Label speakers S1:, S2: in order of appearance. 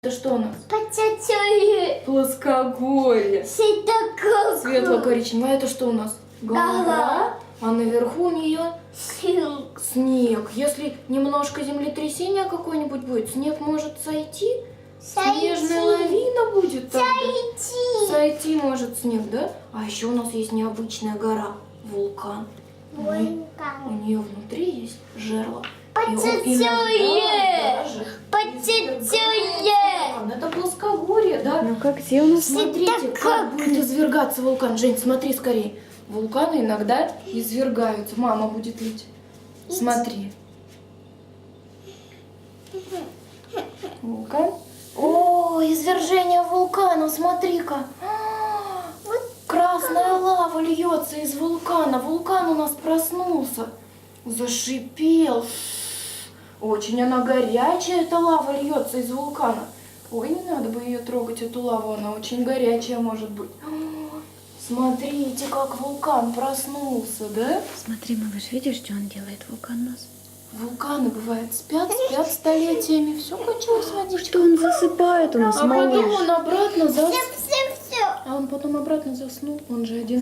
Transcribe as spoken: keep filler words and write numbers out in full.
S1: Это что у нас?
S2: Пацацуи.
S1: Плоскогорье.
S2: Светокол.
S1: Светло-коричневое. Это что у нас?
S2: Гора.
S1: А наверху у нее
S2: Снег.
S1: снег. Если немножко землетрясения какое-нибудь будет, снег может сойти. Снежная лавина будет тогда.
S2: Сойти.
S1: Сойти может снег, да? А еще у нас есть необычная гора. Вулкан. У
S2: Вулкан.
S1: нее внутри есть жерло. И он
S2: Пацацуи.
S1: иногда даже
S2: Пацацуи.
S1: вулкан. Это плоскогорье, да?
S3: Ну как, где у нас?
S1: Смотрите,
S2: Это
S1: как
S2: как?
S1: будет извергаться вулкан. Жень, смотри скорее. Вулканы иногда извергаются. Мама будет лить. Смотри. Вулкан. О, извержение вулкана, смотри-ка. А, красная лава льется из вулкана. Вулкан у нас проснулся. Зашипел. Очень она горячая, эта лава льется из вулкана. Ой, не надо бы ее трогать, эту лаву, она очень горячая может быть. О, смотрите, как вулкан проснулся, да?
S3: Смотри, малыш, видишь, что он делает, вулкан у нас?
S1: Вулканы, бывает, спят, спят столетиями. Все кончилось водичка.
S3: Что он засыпает у нас,
S1: А потом
S3: малыш?
S1: он обратно зас...
S2: Все, все, все.
S1: А он потом обратно заснул. Он же один